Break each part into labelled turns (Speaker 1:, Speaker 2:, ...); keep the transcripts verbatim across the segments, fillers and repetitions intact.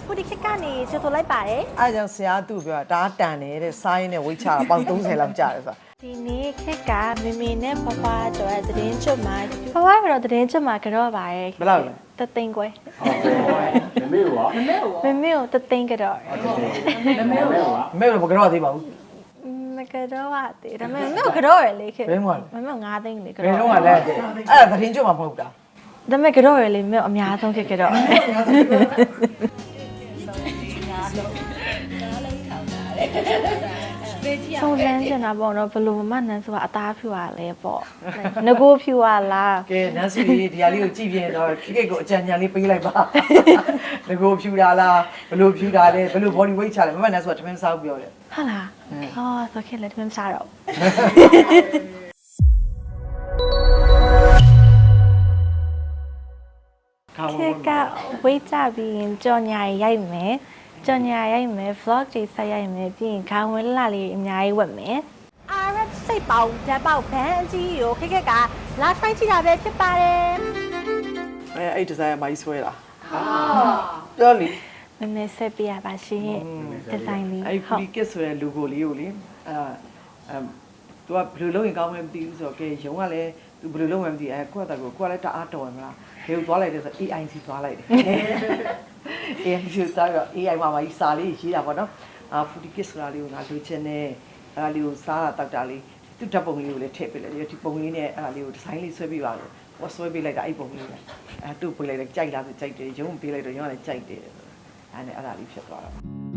Speaker 1: ဖူဒီခက်ကနေချစ်ဆိုလိုက်ပါတယ်
Speaker 2: အားကြောင့်ဆရာသူ့ပြောတာဒါတန်နေတဲ့စိုင်းနဲ့ဝိတ်ချတာပေါင်သုံးဆယ်လောက်ကြာတယ်ဆိုတာ
Speaker 1: ဒီနေ့ခက်ကမေမေနဲ့ပပကျော်ရဲ့သတင်းကျွတ်မှာပပကတော့သတင်းကျွတ်မှာကြော့ပါရဲ့
Speaker 2: ဘယ်လောက်လဲ
Speaker 1: တသိန်းခွဲ
Speaker 3: မမေရောမမေရော
Speaker 1: မေမေကိုတသိန်းကြော့
Speaker 3: မမေရော
Speaker 2: မဲတော့မကတော့သေးပါဘူး
Speaker 1: မကြော့ပါသေးဒါပေမဲ့မေမေကိုကြော့ရလေခက်
Speaker 2: ဘယ်မှာလဲ
Speaker 1: မေမေကိုငါးသိန်းလေ
Speaker 2: ဘယ်
Speaker 1: ကြော့
Speaker 2: တော့မှလဲအဲ့ဒါသတင်းကြွမှာမဟုတ်တာ
Speaker 1: ဒါပေမဲ့ကြော့ရလေမေမေအများဆုံးခက်ကြော့ဆုံးလန်းကျင်တာပေါ့နော်ဘလို့မနန်းဆိုတာအသားဖြူရလဲပေါ့ငကိုဖြူရလား
Speaker 2: ကဲနန်းစီလေးဒီဟာလေးကိုကြည့်ပြရင်တော့ခိကိတ်ကိုအကြံဉာဏ်လေးပေးလိုက်ပါငကိုဖြူတာလားဘလို့ဖြူတာလဲဘလို့ body weight ချလဲမမနန်းဆိုတာတမင်စားပြောတယ်
Speaker 1: ဟုတ်လားအော်ဆိုခဲ့လေတမင်စားတော့ခက်ကဝေးကြပြီးရင်ကြော်ညာရိုက်မယ်ကြော်ညာရိုက်မယ် vlog တွေဆက်ရိုက်မယ်ပြီးရင်ခေါင်းဝဲလာလေးအများကြီးဝတ်မယ်အာရတ်စိတ်ပေါင်းဓာတ်ပေါက်ဘန်းအကြီးကိုခက်ခက်ကလာဆိုင်ချတာပဲဖြစ်ပါတယ်
Speaker 2: အဲအဲ့ဒီဇိုင်းကမိုင်းဆွဲတာဟာပြောလी
Speaker 1: မမေဆက်ပြရပါရှင်ဒီဇိုင်းလေး
Speaker 2: အဲ့ဒီ kit ဆိုတဲ့ logo လေးကိုလေအဲအဲ तू ကဘယ်လိုလုပ်ရင်ကောင်းမလဲမသိဘူးဆိုတော့ကဲရုံကလည်း तू ဘယ်လိုလုပ်မှမသိအဲကိုယ့်အတကိုကိုယ်ကလည်းတအားတော်ရမလားဘယ်ကိုသွားလိုက်လဲဆို A I C သွားလိုက်တယ် A I C သွားတော့ A I မှာမကြီးစာလေးရေးတာပေါ့နော်အာ foodie kit ဆိုတာလေးကိုငါလိုချင်တယ်အဲ့ဒါလေးကိုစားတာတောက်တာလေးသူ့ဓာတ်ပုံလေးကိုလည်းထည့်ပေးလိုက်တယ်ဒီပုံလေးနဲ့အဲ့ဒါလေးကိုဒီဇိုင်းလေးဆွဲပေးပါလို့ဟောဆွဲပေးလိုက်တာအဲ့ပုံလေးပဲအဲသူ့ပေးလိုက်တယ်ကြိုက်လားဆိုကြိုက်တယ်ရုံပေးလိုက်တော့ရုံကလည်းကြိုက်တယ်အဲ့နဲ့အဲ့ဒါလေးဖြစ်သွားတာ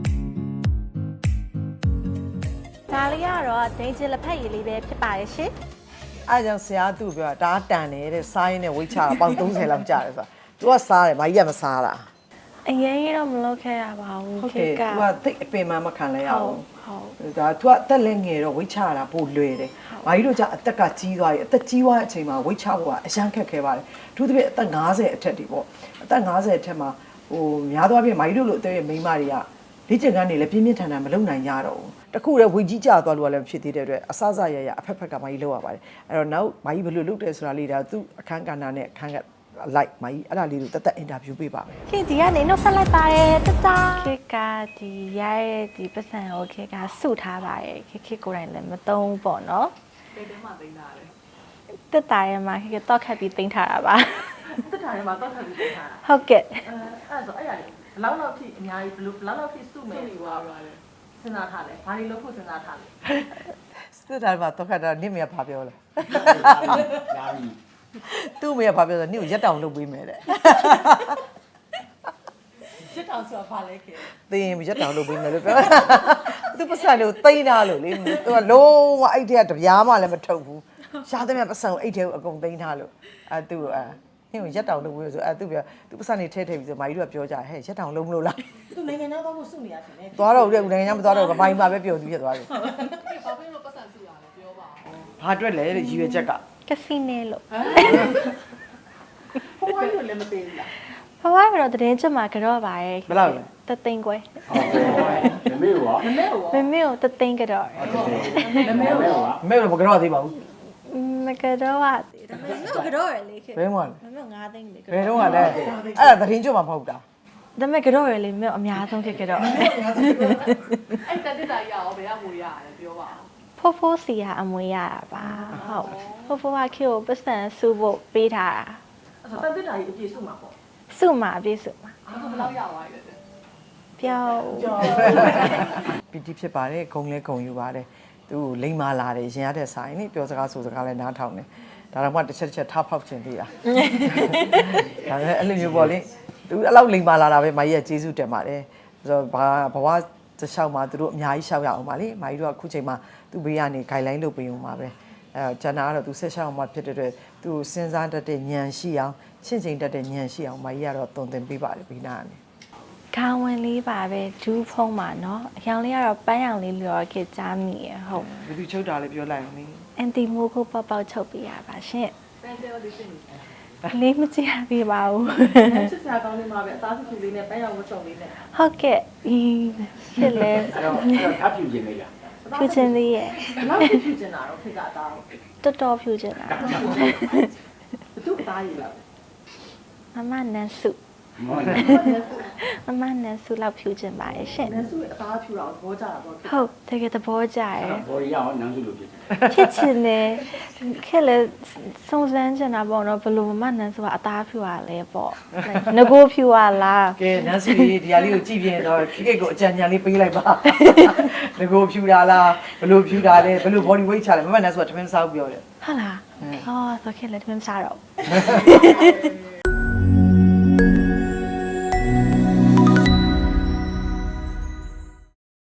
Speaker 1: ဒါလေးကတော့ဒိန်ဂျလက်ဖက်ရည်လေးပဲဖြစ်ပါတယ်ရှင်
Speaker 2: အားကြောင့်ဆရာသူ့ပြောတာဒါတန်နေတဲ့စိုင်းနဲ့ဝိတ်ချတာပေါင်သုံးဆယ်လောက်ကြာတယ်ဆိုတာ तू ကစားတယ်မကြီးကမစားတာ
Speaker 1: အရင်ကတော့မလုပ်ခဲ့ရပါဘူး
Speaker 2: ဟုတ်
Speaker 1: ခ
Speaker 2: ကဲ့
Speaker 1: က်က
Speaker 2: तू ကသိအပင်မမခံလဲရအောင်
Speaker 1: ဟုတ်
Speaker 2: ဒါ तू ကအသက်လည်းငယ်တော့ဝိတ်ချတာပိုလွယ်တယ်မကြီးတို့ကအသက်ကကြီးသွားပြီအသက်ကြီးသွားတဲ့အချိန်မှာဝိတ်ချဖို့ကအရန်ခက်ခဲပါတယ်အထူးသဖြင့်အသက်၅၀အထက်တွေပေါ့အသက်၅၀အထက်မှာဟိုများသောအားဖြင့်မကြီးတို့လိုအသက်ရဲ့မိန်းမတွေကလေ့ကျင့်ခန်းတွေလည်းပြင်းပြင်းထန်ထန်မလုပ်နိုင်ကြတော့ဘူးတခုတည်းဝေကြီးကြသွားလို့လည်းဖြစ်သေးတဲ့အတွက်အစစရရအဖက်ဖက်ကမကြီးလောက်ရပါတယ်အဲ့တော့နောက်မကြီးဘယ်လိုလုပ်တယ်ဆိုတာလေးဒါသူ့အခန်းကဏ္ဍနဲ့အခန်းကလိုက်မကြီးအဲ့ဒါလေးကိုတက်တက်အင်တာဗျူးပေးပါမယ်
Speaker 1: ခေဒီကနေနှုတ်ဆက်လိုက်ပါတယ်တတခေကဒီရရဲ့ဒီပတ်စံကိုခေကစုထားပါတယ်ခေခေကိုယ်တိုင်လည်းမသုံးဘူးပေါ့နော်တိတ်တဲမှာသိမ်းထားတယ်တက်တာရဲမှာခေကတော့ခတ်ပြီးသိမ်းထားတာပါ
Speaker 4: တက်တာထဲမှာတော့ထပ်ပြီးပြင်ထားတာ
Speaker 1: ဟုတ်ကဲ့
Speaker 4: အဲအဲ့ဒါဆိုအဲ့ရတယ်ဘလောက်လောက်ထိအများကြီးဘယ်လိုဘလောက်လောက်ထိစုမယ်ဟိုပါပါလေစဉ်းစားထားလဲဘာတွေလုပ်ဖို့စဉ်းစားထားလဲ
Speaker 2: စစ်တာမှာတော့ခက်တာနင့်မရဘာပြောလဲ
Speaker 3: ရာပြီ
Speaker 2: သူ့မရဘာပြောဆိုနင့်ကိုရက်တောင်လုပ်ပေးမယ်တဲ့
Speaker 4: ရှစ်တောင်ဆိုတာဘာလဲခဲ
Speaker 2: သိရင်ရက်တောင်လုပ်ပေးမယ်လို့ပြောသူပတ်စံလို့တိမ့်တာလို့လေသူကလုံးဝအဲ့တဲ့ကတပြားမှလည်းမထုတ်ဘူးရှားတဲ့မြတ်ပတ်စံကိုအဲ့တဲ့ကိုအကုန်သိမ့်ထားလို့အဲသူ့အဲနင့်ကိုရက်တောင်လုပ်ပေးဆိုအဲသူပြောသူပတ်စံနေထဲထဲပြီးဆိုမာကြီးတို့ကပြောကြဟဲ့ရက်တောင်လုပ်မလို့လား
Speaker 4: သူနိုင်ငံသားတော့ဖို့စုနေရရှင်လေ
Speaker 2: သွားတော့ဦးတဲ့ဦးနိုင်ငံမသွားတော့ဗမိုင်းမှာပဲပျော်သူဖြစ်သွားတယ်
Speaker 4: ဘာဖြစ်လို့ပတ်စံစုရလဲပြောပါဦး
Speaker 2: ဘာအတွက်လဲတဲ့ရည်ရွယ်ချက်က
Speaker 1: ကစီနိုလို့
Speaker 4: ဟိုဘာလို့လဲမပေးဘူးလား
Speaker 1: ဘဝကတော့သတင်းကျွတ်မှာကြော့ပါရဲ့
Speaker 2: ဘယ်လောက်လဲ
Speaker 1: တသိန်းခွဲ
Speaker 3: မမေရော
Speaker 4: မမေရော
Speaker 1: မေမေကိုတသိန်းကြော့
Speaker 4: မမေ
Speaker 3: မမေ
Speaker 4: ရော
Speaker 3: ရော
Speaker 2: မဲတော့မကတော့သေးပါဘူး
Speaker 1: မကြော့ပါသေးဒါပေမဲ့မေကိုကြော့ရလေခေ
Speaker 2: ဘယ်မှာလဲ
Speaker 1: မေမေငါးသိန်းလေ
Speaker 2: ဘယ်တော့မှလည်းအဲ့ဒါသတင်းကြွမှာမဟုတ်တာ
Speaker 1: ဒါပေမဲ့ကြော့ရလေမေအများဆုံးခေကြော့
Speaker 4: အဲ့တက်တက်တာရအောင်ဘယ်ကငွေရလဲပြောပါဦး
Speaker 1: ဖိုးဖိုးစီကအမွေရတာပါဟုတ်ဖိုးဖိုးကခေကိုပတ်စံစုဖို့ပေးထားတာ
Speaker 4: အဲ့ဆိုတက်တက်တာကြီးအပြည့်စုမှာပေါ့
Speaker 1: စုမှာအပြည့်စုမှာ
Speaker 4: အဲ့ဒါဘယ်လောက်ရသွားပြီလဲ
Speaker 1: ပြောင်း
Speaker 2: ပီတိဖြစ်ပါတယ်ဂုံလဲဂုံယူပါတယ်သူလိမ္မာလာတယ်ရင်ရတဲ့ဆိုင်နိပြောစကားဆိုစကားလဲနားထောင်တယ်ဒါတော့မှတစ်ချက်တစ်ချက်ထားဖောက်ချင်သေးတာဒါလည်းအဲ့လိုမျိုးပေါ့လေသူအဲ့လောက်လိမ္မာလာတာပဲမကြီးကကျေးဇူးတင်ပါတယ်ဆိုတော့ဘာဘဝတစ်လျှောက်မှာသူတို့အများကြီးရှောက်ရအောင်ပါလေမကြီးတို့ကအခုချိန်မှာသူ့ဘေးကနေ guideline လုပ်ပေးအောင်ပါပဲအဲကျန်တာကတော့သူဆက်ရှောက်အောင်မှဖြစ်တဲ့အတွက်သူစဉ်းစားတတ်တဲ့ဉာဏ်ရှိအောင်ရှင်းချိန်တတ်တဲ့ဉာဏ်ရှိအောင်မကြီးကတော့တုံသင်ပေးပါတယ်ဘီနာကနေ
Speaker 1: ခေါင်းဝင်လေးပါပဲဒူးဖုံးပါနော်အရောင်လေးကတော့ပန်းရောင်လေးလျော်ခေကြားမိရဟုတ်
Speaker 2: ဘယ်သူချုပ်တာလဲပြောလိုက်မင်း
Speaker 1: အန်တီမိုးကိုပေါက်ပေါက်ချုပ်ပေးရပါရှင်
Speaker 4: ပန်းတယ်လေးစင်နေ
Speaker 1: လေးမကြည့်ရသေးပါဘူး
Speaker 4: ချစ်စရာကောင်းနေမှာပဲအသားစုစုလေးနဲ့ပန်းရောင်ဝတ်စုံလေးနဲ့
Speaker 1: ဟုတ်ကဲ့ဒီဖြစ်လဲ
Speaker 3: အဲ့တော့အဲ့တော့ထပ်ပြူခြင်းလေးလား
Speaker 1: ဖြူချင်းလေးရဲ့
Speaker 4: ဘယ်လောက်ဖြူကျင်တာတော့ခေကအသားကို
Speaker 1: တော်တော်ဖြူချင်းတာ
Speaker 4: ဘသူ့အသားရည်လား
Speaker 1: မမနန်းစု
Speaker 3: မော်
Speaker 1: မမနဲ့ဆူလောက်ဖြူချင်ပါတယ်ရှင်
Speaker 4: နန်းစုရဲ့အသားဖြူတာကိုသဘောကျတာပေါ့
Speaker 1: ဟုတ်တကယ်သဘောကျရယ်
Speaker 3: ဘော်ရီရောနန်းစုလို့ဖြစ်တယ်
Speaker 1: ဖြစ်ချင်တယ်ခဲ့လေစုံစမ်းချင်တာပေါ့နော်ဘလို့မမနန်းဆိုတာအသားဖြူရလဲပေါ့ငကိုဖြူရလား
Speaker 2: ကဲနန်းစီဒီဟာလေးကိုကြည့်ပြရင်တော့ခိကိတ်ကိုအကြံဉာဏ်လေးပေးလိုက်ပါငကိုဖြူတာလားဘလို့ဖြူတာလဲဘလို့ body weight ချလဲမမနန်းဆိုတာတမင်စားဘူးပြောတယ်
Speaker 1: ဟုတ်လားအော်ဆိုခဲ့လေတမင်စားတော့